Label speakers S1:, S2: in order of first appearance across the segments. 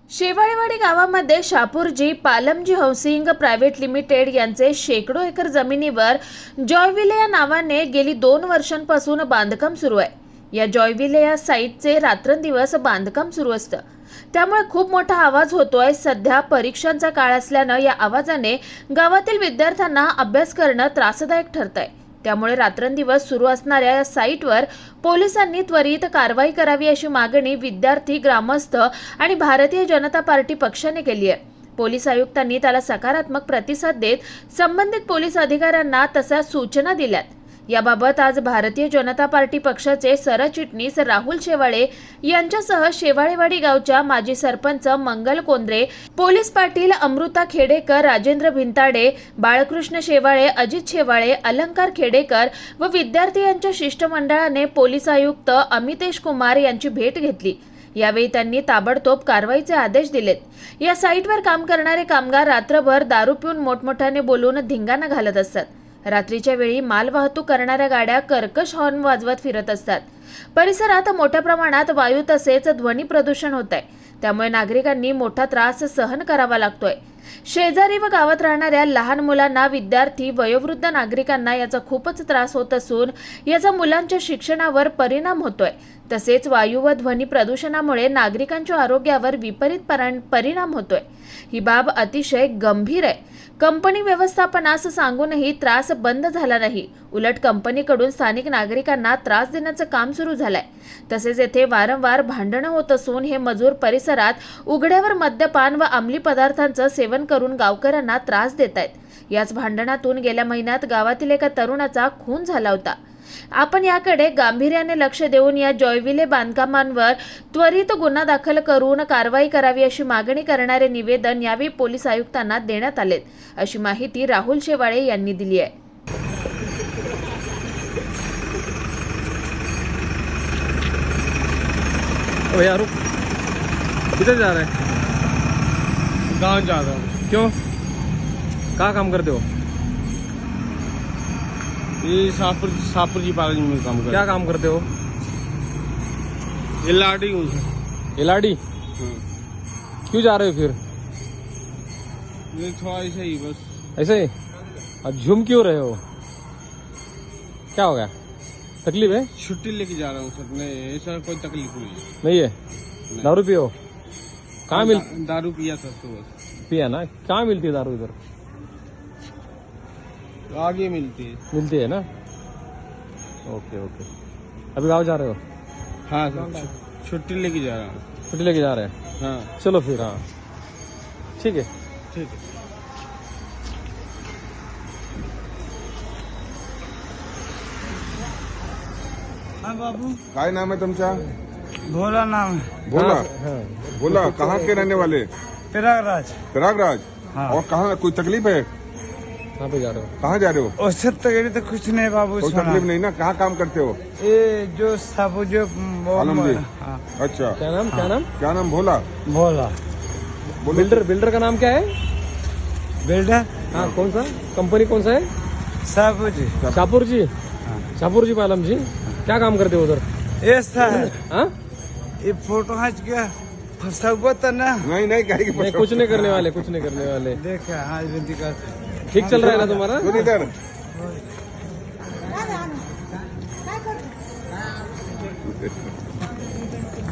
S1: शेवाळेवाडी गावामध्ये Shapoorji Pallonji housing private limited यांचे शेकडो एकर जमिनीवर जॉयविले या नावाने गेली 2 वर्षांपासून बांधकाम सुरू आहे। या जॉयविले या साईटचे रात्रंदिवस बांधकाम सुरू असतं, त्यामुळे खूप मोठा आवाज होतोय। सध्या परीक्षांचा काळ असल्यानं या आवाजाने गावातील विद्यार्थ्यांना अभ्यास करणं त्रासदायक ठरतंय। त्यामुळे रात्रंदिवस सुरू असणाऱ्या या साईटवर पोलिसांनी त्वरित कारवाई करावी अशी मागणी विद्यार्थी, ग्रामस्थ आणि भारतीय जनता पार्टी पक्षाने केली आहे। पोलीस आयुक्तांनी त्याला सकारात्मक प्रतिसाद देत संबंधित पोलीस अधिकाऱ्यांना तशा सूचना दिल्यात। याबाबत आज भारतीय जनता पार्टी पक्षाचे सरचिटणीस राहुल शेवाळे यांच्यासह शेवाळेवाडी गावच्या माजी सरपंच मंगल कोंद्रे, पोलीस पाटील अमृता खेडेकर, राजेंद्र भिंताडे, बाळकृष्ण शेवाळे, अजित शेवाळे, अलंकार खेडेकर व विद्यार्थी यांच्या शिष्टमंडळाने पोलीस आयुक्त अमितेश कुमार यांची भेट घेतली। यावेळी त्यांनी ताबडतोब कारवाईचे आदेश दिलेत। या साईटवर काम करणारे कामगार रात्रभर दारू पिऊन मोठमोठ्याने बोलून धिंगाणा घालत असतात। रात्रीच्या वेळी माल वाहतूक करणाऱ्या गाड्या कर्कश हॉर्न वाजवत फिरत असतात। परिसरात मोठ्या प्रमाणात वायू तसेच ध्वनी प्रदूषण होत आहे, त्यामुळे नागरिकांनी मोठा त्रास सहन करावा लागतोय। शेजारी व गावात राहणाऱ्या लहान मुलांना, विद्यार्थी, वयोवृद्ध नागरिकांना याचा खूपच त्रास होत असून याचा मुलांच्या शिक्षणावर परिणाम होतोय। तसेच वायू व ध्वनी प्रदूषणामुळे नागरिकांच्या आरोग्यावर विपरीत परिणाम होतोय। ही बाब अतिशय गंभीर आहे। कंपनी व्यवस्थापनास सांगूनही त्रास बंद झाला नाही, उलट कंपनीकडून स्थानिक नागरिकांना त्रास देण्याचं काम सुरू झालंय। तसेच येथे वारंवार भांडणं होत असून हे मजूर परिसरात उघड्यावर मद्यपान व अंमली पदार्थांचं सेवन करून गावकऱ्यांना त्रास देत आहेत। याच भांडणातून गेल्या महिन्यात गावातील एका तरुणाचा खून झाला होता। आपण याकडे गांभीर्याने लक्ष देऊन या जॉयविले बांधकामांवर त्वरित गुन्हा दाखल करून कारवाई करावी अशी मागणी करणारे निवेदन यावेळी पोलीस आयुक्तांना देण्यात आले, अशी माहिती राहुल शेवाळे यांनी दिली आहे।
S2: भैया रुक, किधर जा रहे हैं?
S3: गाँव जा रहा हूँ।
S2: क्यों? कहाँ काम करते हो?
S3: ये शाहपुर जी पालन में काम कर।
S2: क्या काम करते हो?
S3: एलआरडी हूँ सर।
S2: एलआरडी? क्यों जा रहे हो फिर?
S3: ये थोड़ा ऐसे ही बस।
S2: ऐसे ही? और झूम क्यों रहे हो? क्या हो गया? तकलीफ है?
S3: छुट्टी लेके जा रहा हूँ सर। नहीं ऐसा कोई तकलीफ नहीं है।
S2: नहीं है?
S3: नहीं।
S2: दारू पियो? कहाँ
S3: दारू पिया सर सुबह।
S2: पिया ना? कहाँ मिलती है दारू इधर?
S3: आगे मिलती है।
S2: मिलती है ना? Okay okay. अभी गाँव जा रहे हो?
S3: हाँ सर, छुट्टी लेके जा रहा हूँ।
S2: छुट्टी लेके जा रहे हैं?
S3: हाँ
S2: चलो फिर। हाँ ठीक है।
S3: ठीक है। हाँ बाबू,
S4: काय नाम है तुमचा?
S3: भोला नाम है।
S4: भोला?
S2: हाँ।
S4: भोला कहाँ के रहने वाले?
S3: प्रयागराज।
S4: प्रयागराज?
S3: हाँ।
S4: और कहाँ कोई तकलीफ है?
S2: कहाँ पे जा रहे हो?
S4: कहाँ जा रहे हो?
S3: उससे तकलीफ तो कुछ नहीं बाबू।
S4: कोई तकलीफ नहीं ना? कहाँ काम करते हो?
S3: ये जो सब जो
S4: आलम जी।
S3: हाँ।
S4: अच्छा,
S2: क्या नाम? क्या नाम?
S4: क्या नाम? भोला?
S3: भोला
S4: बोलो।
S2: बिल्डर का नाम क्या है?
S3: बिल्डर।
S2: हाँ, कौन सा कंपनी, कौन सा है?
S3: सब जी।
S2: शाहपुर जी? शाहपुर जी पालम जी। क्या काम करते हो उधर?
S3: ऐसा है।
S2: हाँ?
S3: ये फोटो खींच के फंसा हुआ था ना।
S4: नहीं नहीं, क्या
S2: नहीं, कुछ नहीं करने वाले, कुछ नहीं करने वाले।
S3: देखा हाँ विनती कर।
S2: ठीक चल रहा है ना तुम्हारा?
S4: सुन इधर।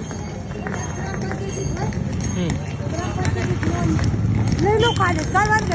S5: लय लोक आले,